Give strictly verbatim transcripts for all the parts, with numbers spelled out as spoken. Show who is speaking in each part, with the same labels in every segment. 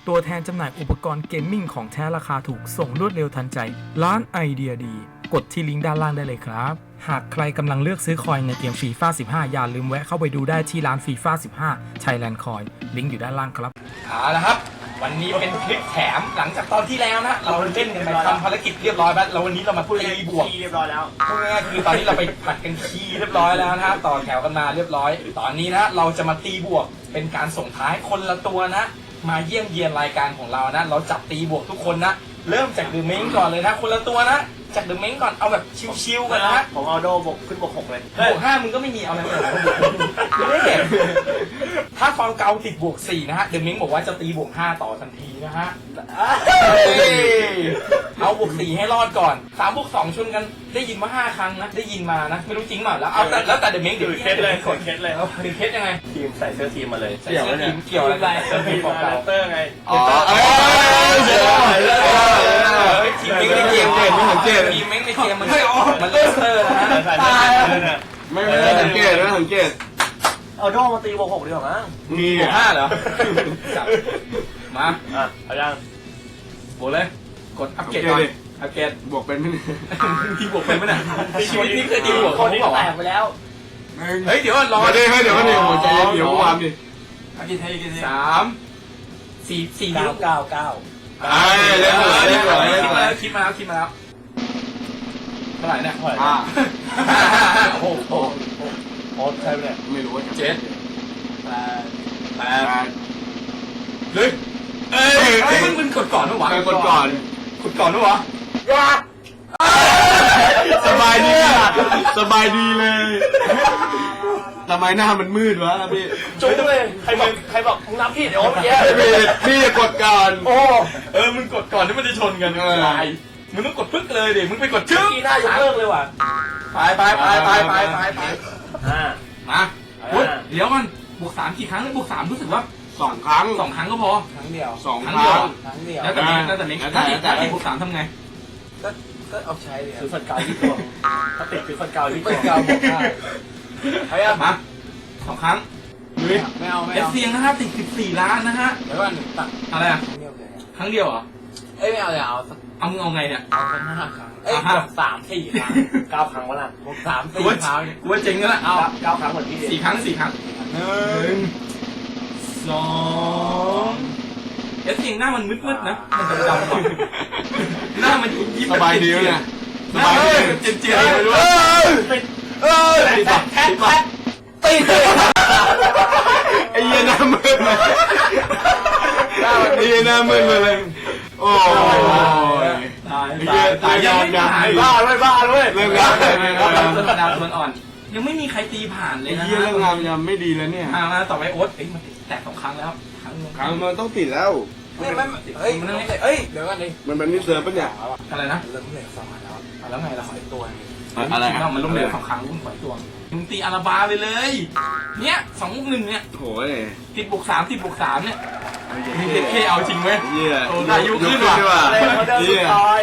Speaker 1: ตัวแทนจำหน่ายอุปกรณ์เกมมิ่งของแท้ราคาถูกส่งรวดเร็วทันใจร้านไอเดียดีกดที่ลิงก์ด้านล่างได้เลยครับหากใครกำลังเลือกซื้อคอยในเกมฟีฟ่าสิบห้าอย่าลืมแวะเข้าไปดูได้ที่ร้านฟีฟ่าสิบห้า Thailand Coin ลิงก์อยู่ด้านล่างครับเอาละครับวันนี้เป็นคลิปแถมหลังจากตอนที่แล้วนะเราเล่นกันไปทำภารกิจเรียบร้อยแล้วแล้ววันนี้เรามาพูดตีบวก
Speaker 2: เรียบร้อยแล้ว
Speaker 1: พูดง่ายๆคือตอนนี้เราไปผัดกันขี้เรียบร้อยแล้วนะต่อแถวกันมาเรียบร้อยตอนนี้นะเราจะมาตีบวกเป็นการส่งท้ายคนละตัวนะมาเยี่ยมเยียนรายการของเรานะเราจับตีบวกทุกคนนะเริ่มจากเดอะเม้งก่อนเลยนะคนละตัวนะจากเดอะเม้งก่อนเอาแบบชิวๆกันนะ
Speaker 2: ผมเอาโดบกขึ้นบวกหกเลย
Speaker 1: บวกห้ามึงก็ไม่มีเอาอะไรเลยถ้าฟาวเกาติดบวกสี่นะฮะเดอะเม้งบอกว่าจะตีบวกห้าต่อทันทีนะฮะเอาบวกสี่ให้รอดก่อนสามบวกสองชนกันได้ยินมาห้าครั้งนะได้ยินมานะไม่รู้จริงเปล่าแล้วเอาแต่แล้วแต่เดอะเม้งเดี๋ยว
Speaker 2: เคสเลยกดเคสเลย
Speaker 1: คือเคสยังไง
Speaker 2: ทีมใส่เสื้อทีมมาเลย
Speaker 1: ใส่เสื้อทีมเกี่ยวอะไรเสื้อทีมของเรา
Speaker 2: เตอร์ไง
Speaker 1: อ๋อทีมเม้งในเกมเกมไม่สังเกตทีมเม้งในเกมมันมันเลสเตอร์นะ
Speaker 3: ไม่ไม่ได้สังเกตไม่สังเกต
Speaker 2: เอาโดมาตีบวกหกดีกว่ามั้ง
Speaker 1: มีบวกห้าเหรอมา
Speaker 2: อ่ะเอายัง
Speaker 1: บวกเลยกดอัปเกรดก่อนอัปเกรด
Speaker 3: บวกเป็นไหม
Speaker 1: ทีบวกเป็นไหมน่ะชีวิตนี้เคยตีบวก
Speaker 2: คนที่แตกไปแล้ว
Speaker 1: เฮ้ยเดี๋ยวรอ
Speaker 3: ได้ให้เดี๋ยวให้เดี๋ยวหัวใจเดี๋ยวความดิ
Speaker 1: สามสี่สี่
Speaker 2: เก้าเก้าเก้า
Speaker 3: ไอ้เล่นเลยเล่นเลยเล่นเลย
Speaker 1: คิดมาแล้วคิดมาแล้วเท่าไหร่เนี่ย
Speaker 3: อ่า
Speaker 1: โอ้โห
Speaker 2: โอ้ใช่ไหมเนี่ย
Speaker 3: ไม่รู้ว่า
Speaker 1: เจ็ดแปดแปดเฮ้ยเอ้ยมึงมึงกดก่อนหรือวะ
Speaker 3: กดก่อน
Speaker 1: กดก่อนหรือวะ
Speaker 3: สบายดีสบายดีเลยทำไมหน้ามันมืดวะพี่
Speaker 2: จุ๊บเลยใครบอกใครบอกมึงนับผิดเดี๋ยวเมื่อกี้
Speaker 3: พี่พี่กดก่อน
Speaker 1: โอ้เออมึงกดก่อนที่มันจะชนกันอะไรมึงต้องกดปึ๊กเลยดิมึงไปกดชื่อ
Speaker 2: กีหน้ายกเลิกเลยว่ะ
Speaker 1: ไปไปไปไปไปไปไป
Speaker 2: อ่า
Speaker 1: มาเดี๋ยวมันบวกสามกี่ครั้งบวกสามรู้สึกว่า
Speaker 3: สองครั้ง
Speaker 1: สองครั้งก็พอ
Speaker 2: ครั้งเดียว
Speaker 3: สองครั้ง
Speaker 2: ครั้งเดียว
Speaker 1: แล้วแต่เม้งแล้วแต่เม้งถ้าติดถ้าติดบวกสามทำไง
Speaker 2: ก็ก็เอาใช้เลยคือฟันเกาที่ตัวถ้าติดคือฟันเกาที่ตัวฟันเกาบวกได้
Speaker 1: เฮ้ยมาสองครั้งลุย
Speaker 2: ไม่เอาไม่
Speaker 1: เอาเอฟซีนะครับติดสิบสี่ล้านนะฮะ
Speaker 2: แล้วว่าหนึ่งตัด
Speaker 1: อะไรอ่ะครั้งเดียวเหรอ
Speaker 2: เอ้ยไม่เอาเลยเอา
Speaker 1: เอามึงเอาไงเนี่ย
Speaker 2: เอาสักห้าครั้งเอ้ยบวกสามสี่ครั้งเก้าครั้งวะล่ะบวกสามสี่ครั้ง
Speaker 1: กูว่าเจ๋งแล้วล่ะ
Speaker 2: เอาเก้าครั้งเหมือนพี่
Speaker 1: สี่ครั้งสี่ครั้งหนึ่งสองเอฟซีหน้ามันมืดๆนะมันดำๆหน้ามันยิ้ม
Speaker 3: สบายดีเนี่ย
Speaker 1: สบายดีเจียนเจียนไปด้วย
Speaker 2: ติดเออติดแท็กแท็กติด
Speaker 3: ไอ้เหี้ยหน้ามืดเลยไอ้เหี้ยหน้ามืดเลยโอ้ย
Speaker 1: ตายตายตายยังไม่ผ่าน
Speaker 2: บ้าด้วยบ้าด้วย
Speaker 3: เรื่องงานเลย
Speaker 1: นะธรรมดามันอ่อนยังไม่มีใครตีผ่านเลยนะ
Speaker 3: เรื่องงานยังไม่ดีแล้วเนี่ย
Speaker 1: มาต่อไปโอ๊ตเอ้ยมันแตกสองครั้งแล้วครั้งนึง
Speaker 3: ครั้งมันต้องติดแล้ว
Speaker 2: ไม่ไม่เฮ้ยมันเฮ้ยเดี๋ยวกันดิ
Speaker 3: มันเป็นนิสัยปะเนี่ย
Speaker 1: อะไรนะ
Speaker 2: เริ่มเหนื่อยสองแล้ว
Speaker 1: แล้วไงเราขอตัว
Speaker 3: อะไร
Speaker 1: อ่ะมันล้มเหลวสองครั้งรุ่นขอตัวมึงตีอาราบาไปเลยเนี่ยสองลูกหนึ่งเนี่ย
Speaker 3: โอ้ย
Speaker 1: ติดบวกสามติดบวกสามเนี่ยมีเด็กเคเอาจริงไหม
Speaker 3: เยี่ย
Speaker 1: โอ้อายุขึ้นว่ะ
Speaker 2: เยี่ย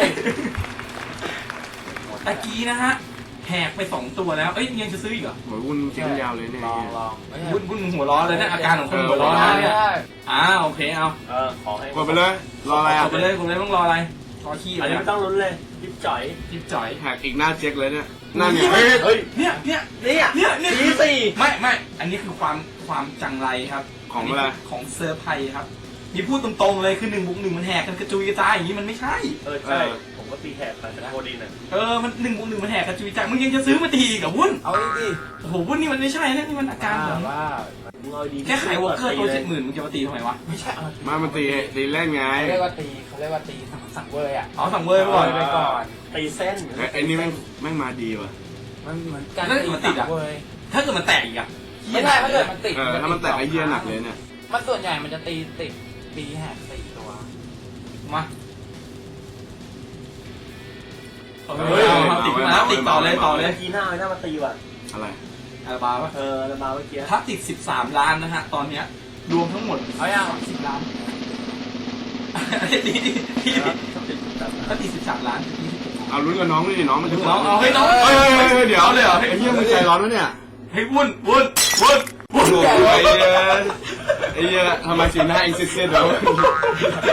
Speaker 1: ตะกี้นะฮะแหกไปสองตัวแล้วเอ้ยยังจะซื้ออีกเหรอ
Speaker 3: หัววุ่นกินยาวเลยเนี่ย
Speaker 1: วุ่นวุ่นหัวร้อนเลยเนี่ยอาการของคนหัวร้อนเนี่ยอ้าโอเคเอา
Speaker 2: เออขอให้
Speaker 3: กดไปเลยรออะไรอ่ะ
Speaker 1: กดไปเลยกดเลยต้องรออะไรรอขี้
Speaker 2: อันนี้ไม่ต้องลุ้นเลยยิบจ่อย
Speaker 1: ยิบจ่อย
Speaker 3: แหกอีกหน้าเจ๊กเลยเนี่ยนั่นเนี่ย
Speaker 1: เฮ้ยเนี่ยเนี่ย
Speaker 2: เนี่ย
Speaker 1: เนี่ยเนี่ย
Speaker 2: สี่สี่
Speaker 1: ไม่ไม่อันนี้คือความความจังไรครับ
Speaker 3: ของอะไร
Speaker 1: ของเซอร์ไพรส์ครับนี่พูดตรงๆเลยคือหนึ่งบุกหนึ่งมันแหกกันกระจุยกระจายอย่างนี้มันไม่ใช่
Speaker 2: เออใช่ผมก็ตีแหกไปแต่โคดีน่ะ
Speaker 1: เออมันหนึ่งบุกหนึ่งมันแหกกระจุยกระจายมึงยังจะซื้อมาตีกับวุ้น
Speaker 2: เอาดิ
Speaker 1: โอ้โหวุ้นนี่มันไม่ใช่นะนี่มันอาการของ
Speaker 2: ว่า
Speaker 1: แค่ขายวอลเกอร์ตัวเจ็ดหมื่นมึงจะมาตีทำไมวะ
Speaker 2: ไม่ใช่
Speaker 3: มามันตีตีเล่นไง
Speaker 2: เขาเรียกว่าตีเขาเรียกว่าตีสั่งเวอร์อ่ะ
Speaker 1: อ๋อสั่งเวอร์ไปก่อน
Speaker 2: ไปก่อนตีเส้น
Speaker 3: ไอ้นี่แม่งแม่งมาดีว่ะ
Speaker 2: มันเหมือนการตีสั่งเวอร์
Speaker 1: ถ้าเกิดมันแตกอีกอ่ะ
Speaker 2: ไม่ได้ถ้าเกิดมันติด
Speaker 3: ถ้ามันแตกไอ้เหี้ยหนักเลยเนี่ย
Speaker 2: มันส่วนใหญ่มันจะตีติดตีแหกสี่ตัว
Speaker 1: มาเฮ้ยติดมาแล้วติดต่อเลยต่อเลย
Speaker 2: ทีหน้าหน้ามาตีว่ะ
Speaker 3: อะไร
Speaker 1: อาราบาปะ
Speaker 2: เอออาราบาเมื่อกี้
Speaker 1: ถ้าติดสิบสามล้านนะฮะตอนเนี้ยรวมทั้งหมด
Speaker 2: เอาอย่าง
Speaker 1: สิบล้านถ้าติดสิบสามล้าน
Speaker 3: เอาลุ้นกับน้องนี่น้องมันจะ
Speaker 1: น้องเอาให้น้อง
Speaker 3: เฮ้ยเฮ้ยเดี๋ยวเลยเหรอไอ้เหี้ยมันใจร้อนวะเนี่ย
Speaker 1: ให้วุ่นวุ่นวุ่น
Speaker 3: โอ้ยไอ้เหี้ยทำไมสีหน้าเอ็งเสียดๆแล้ว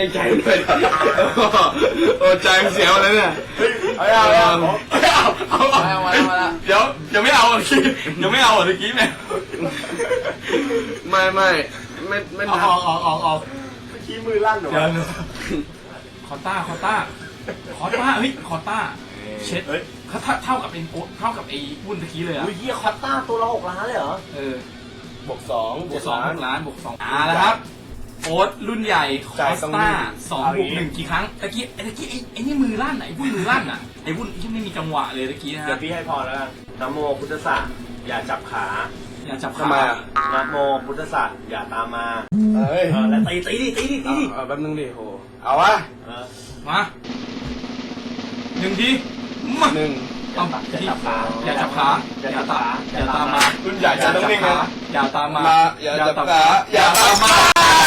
Speaker 3: ใจใจด้วยโอ้ใจเสียวเลยเนี่ย
Speaker 2: เอาเอาเอา
Speaker 3: เอาเอาเอาเอาเดี๋ยวยังไม่เอาเมื่อกี้ยังไม่เอาเมื่อกี้เนี่ยไม่ไม่ไม่ไม่
Speaker 2: เอา
Speaker 3: นับ
Speaker 2: เอาเอาเอาเมื่อกี้มือลั่นเหรอ
Speaker 1: เดี๋ยวคอต้าคอต้าคอต้าเฮ้ยคอต้าเช็ด
Speaker 2: เฮ้ย
Speaker 1: เขาเท่าเท่ากับเป็นโอ๊ตเท่ากับไอ้วุ้นตะกี้เลยอ่ะ
Speaker 2: อุ้ยเฮียคอตต้าตัวละหกล้านเลยเหรอ
Speaker 1: เออบ
Speaker 2: วกสอง
Speaker 1: บวกสองล้านบวกสองอ่าแล้วครับโอ๊ตรุ่นใหญ่คอสต้าสองบวกหนึ่งกี่ครั้งตะกี้ไอ้ตะกี้ไอ้ไอ้นี่มือลั่นไหนวุ้นมือลั่นอ่ะไอ้วุ้นที่ไม่มีจังหวะเลยตะกี้นะ
Speaker 2: เดี๋ย
Speaker 1: ฮะ
Speaker 2: วพี่ให้พอแล้วกันนะโมพุทธศาสอย่าจับขา
Speaker 1: อย่าจับ
Speaker 3: ทำไม
Speaker 1: ขา
Speaker 3: อ่ะ
Speaker 2: นะโมพุทธศาสอย่าตามมา
Speaker 3: เฮ้ย
Speaker 2: เออแล้วตีตีดิตีดิตีดิ
Speaker 3: เอาแป๊บนึงดิโหเอาวะ
Speaker 2: เออ
Speaker 1: มาหนึ่งทีมา
Speaker 3: หนึ่ง
Speaker 1: ต้อง
Speaker 2: อย่าจับขา
Speaker 1: อย่าจับขาอย่าตามอย่าตามมา
Speaker 3: รุ่นใหญ่จะต้องนิ่งนะ
Speaker 1: อย่าตามมา
Speaker 3: มาอย่าจับขาอย่าตามมา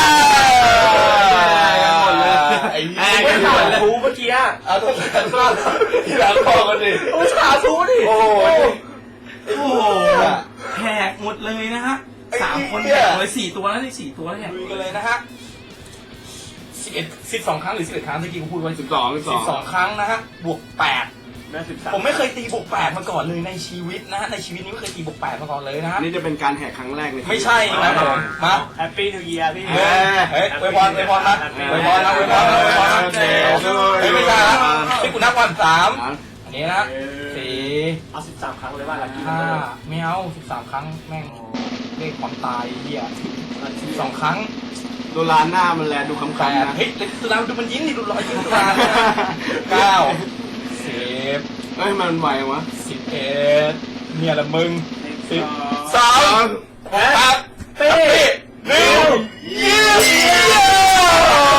Speaker 3: หมดเลยไอ้
Speaker 2: ไอ้
Speaker 3: เหี้ย
Speaker 2: ไม่ขาดทูเมื่อกี้อะ
Speaker 3: เอาต้องการก็ที่หลังพอกันดิ
Speaker 2: โอ้ขาดทูดิ
Speaker 3: โอ้โห
Speaker 1: โอ้โหแหกหมดเลยนะฮะสามคนแหกเลยสี่ตัวแล้วนี่สี่ตัวแล้วเนี่ยดูกันเลยนะฮะสิบเอ็ดสิบสองครั้งหรือสิบเอ็ดครั้งที่กี้ผมพูดไว้
Speaker 3: สิบสองสิบส
Speaker 1: สิ
Speaker 3: อง
Speaker 1: บสองครั้งนะฮะบวกแปด
Speaker 2: แม่สิบสาม
Speaker 1: ผมไม่เคยตีบวกแปดมาก่อนเลยในชีวิตนะฮะในชีวิตนี้ไม่เคยตีบวกแปดมาก่อนเลยนะฮะ
Speaker 3: นี่จะเป็นการแหกครั้งแรกเลย
Speaker 1: ไม่ใช่นะผมมา
Speaker 2: แฮปปี้นิวเยียร์พี่
Speaker 1: เฮ้ยเฮ้ยอวยพรอวยพรนะอวยพรนะอวยพรนะอวยพรนะเฮ้ยไม่ใช่นะที่กูนับวันสามอันนี้นะสี่
Speaker 2: เอาสิบสามครั้งเลยว่าลักกี้
Speaker 1: ห้าไม่เอาสิบสามครั้งแม่งเลขความตายเหี้ยสิบสองครั้ง
Speaker 3: โดนลานหน้ามันแลดูคำ
Speaker 1: แป
Speaker 3: ๆ
Speaker 1: ด
Speaker 3: นะ
Speaker 1: เฮ้ยตุลาดูมันยิ้มดิดูรอยยิ้มตุลาเก้าสิบ
Speaker 3: เฮ้ยมันไหววะ
Speaker 1: สิบเอ็ดเนี่ยละมึงสิบส
Speaker 3: ส
Speaker 1: อ
Speaker 3: อง ง
Speaker 1: แปด
Speaker 2: เต้
Speaker 1: หนึ่งยี่สิบ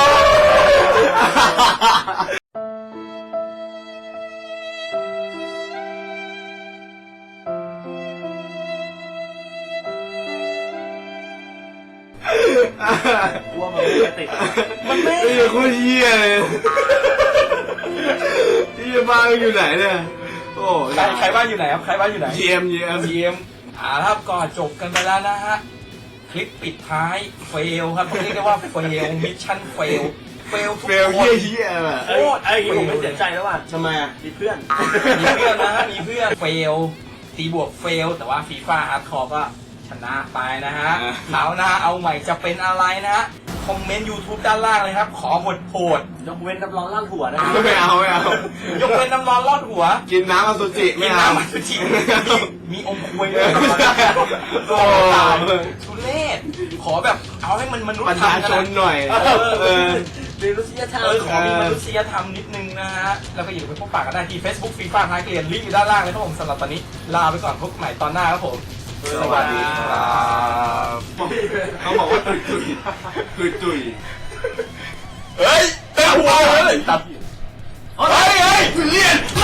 Speaker 2: กลัวมันไม่จะติด
Speaker 1: มันไม่
Speaker 3: ไอ้โคตรเหี้ยเลยที่บ้านอยู่ไหนเนี่ยโอ้
Speaker 1: ใครใครบ้านอยู่ไหนครับใครบ้านอยู่ไหน
Speaker 3: เยียมเยียม
Speaker 1: เยี่ยมอ่าครับก็จบกันไปแล้วนะฮะ คลิปปิดท้ายเฟลครับต้องเรียกได้ว่าเฟลมิชชั่นเฟลเฟลทุก
Speaker 3: เฟล
Speaker 1: คน
Speaker 3: เหี้ยเหี้ยแบบ
Speaker 2: เอ้ยไอ้ยผมไม่เสียใจแล้วว่ะ
Speaker 3: ทำไมอ่ะ
Speaker 2: มีเพื่อน
Speaker 1: มีเพื่อนนะฮะมีเพื่อนเฟลตีบวกเฟลแต่ว่าฟีฟ่าฮาร์ดคอร์ก็ชนะไปนะฮะคราวหน้าเอาใหม่จะเป็นอะไรนะฮะ คอมเมนต์ YouTube ด้านล่างเลยครับ ขอหดโหด
Speaker 2: ยกเว้นน้ำร้อนลั่นหัวนะ
Speaker 3: ไม่เอาไม่เอา
Speaker 1: ยกเว้นน้ำร้อนลอดหัว
Speaker 3: กินน้ำอสุจิ
Speaker 1: มี
Speaker 3: ไม่เอา
Speaker 1: น้ำมันจริงมีมีอมควยด้วย
Speaker 3: โอ้
Speaker 1: ทุเรศขอแบบเอาให้มันมนุษ
Speaker 3: ประ
Speaker 1: ย์ธร
Speaker 3: ชาร
Speaker 1: ม
Speaker 3: ช
Speaker 1: กัน
Speaker 3: น
Speaker 1: นะ
Speaker 3: หน่อย
Speaker 1: เออ
Speaker 3: เออ
Speaker 2: เรียนรู้ศิลธรรม
Speaker 1: เออขอมีมนุษยธรรมนิดนึงนะฮะ แล้วก็อย่าลืมไปพบปะกันได้ที่ Facebook ฟีฟ่าท้ายเกลียนลิงก์อยู่ด้านล่างเลยครับผมสำหรับตอนนี้ลาไปก่อนพบกันใหม่ตอนหน้าครับผม สวัสดีครับ
Speaker 3: เขาบอกว่าตุยตุยตุยตุย
Speaker 1: เฮ้ยเต็มหัวเลยตัดเฮ้ยเฮ้ยเลียน